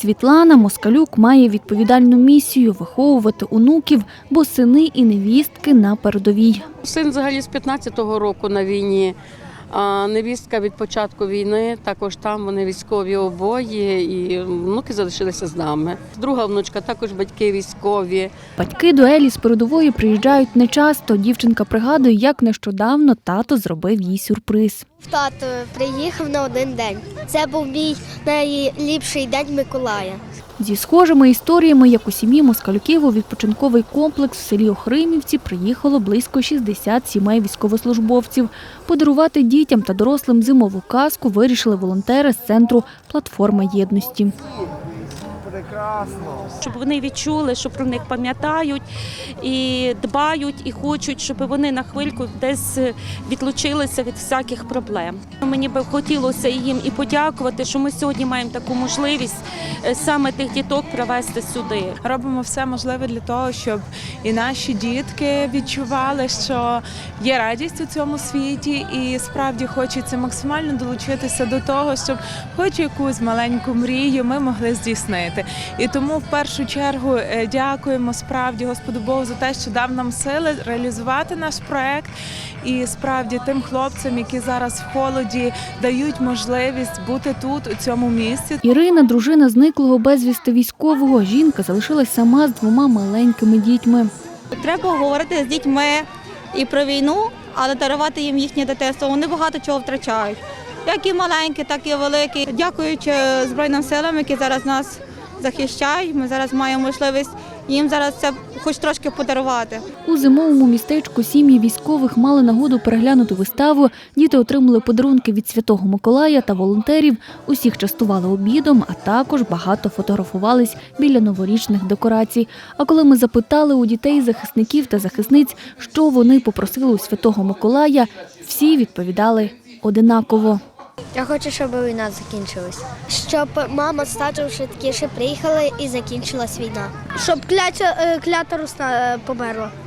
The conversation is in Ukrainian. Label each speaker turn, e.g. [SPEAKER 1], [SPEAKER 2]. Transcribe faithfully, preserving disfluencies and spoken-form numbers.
[SPEAKER 1] Світлана Москалюк має відповідальну місію – виховувати онуків, бо сини і невістки на передовій.
[SPEAKER 2] Син взагалі з п'ятнадцятого року на війні, а невістка від початку війни, також там вони військові обоє, і внуки залишилися з нами. Друга внучка також батьки військові.
[SPEAKER 1] Батьки до Елі з передової приїжджають нечасто. Дівчинка пригадує, як нещодавно тато зробив їй сюрприз.
[SPEAKER 3] Тато приїхав на один день. Це був мій найліпший день Миколая.
[SPEAKER 1] Зі схожими історіями, як у сім'ї Москалюків, у відпочинковий комплекс в селі Охримівці приїхало близько шістдесят сімей військовослужбовців. Подарувати дітям та дорослим зимову казку вирішили волонтери з центру «Платформа єдності».
[SPEAKER 4] Прекрасно. Щоб вони відчули, що про них пам'ятають і дбають, і хочуть, щоб вони на хвильку десь відлучилися від всяких проблем. Мені би хотілося їм і подякувати, що ми сьогодні маємо таку можливість саме тих діток привезти сюди.
[SPEAKER 5] Робимо все можливе для того, щоб і наші дітки відчували, що є радість у цьому світі, і справді хочеться максимально долучитися до того, щоб хоч якусь маленьку мрію ми могли здійснити. І тому в першу чергу дякуємо справді Господу Богу за те, що дав нам сили реалізувати наш проект. І справді тим хлопцям, які зараз в холоді, дають можливість бути тут, у цьому місці.
[SPEAKER 1] Ірина – дружина зниклого безвісти військового. Жінка залишилась сама з двома маленькими дітьми.
[SPEAKER 6] Треба говорити з дітьми і про війну, але дарувати їм їхнє дитинство. Вони багато чого втрачають. Як і маленькі, так і великі. Дякуючи Збройним силам, які зараз нас захищають, ми зараз маємо можливість їм зараз це хоч трошки подарувати.
[SPEAKER 1] У зимовому містечку сім'ї військових мали нагоду переглянути виставу. Діти отримали подарунки від Святого Миколая та волонтерів. Усіх частували обідом, а також багато фотографувались біля новорічних декорацій. А коли ми запитали у дітей, захисників та захисниць, що вони попросили у Святого Миколая, всі відповідали одинаково.
[SPEAKER 3] Я хочу, щоб війна закінчилась. Щоб мама з татом швидкіше приїхали і закінчилась війна. Щоб клята, клята Русна померла.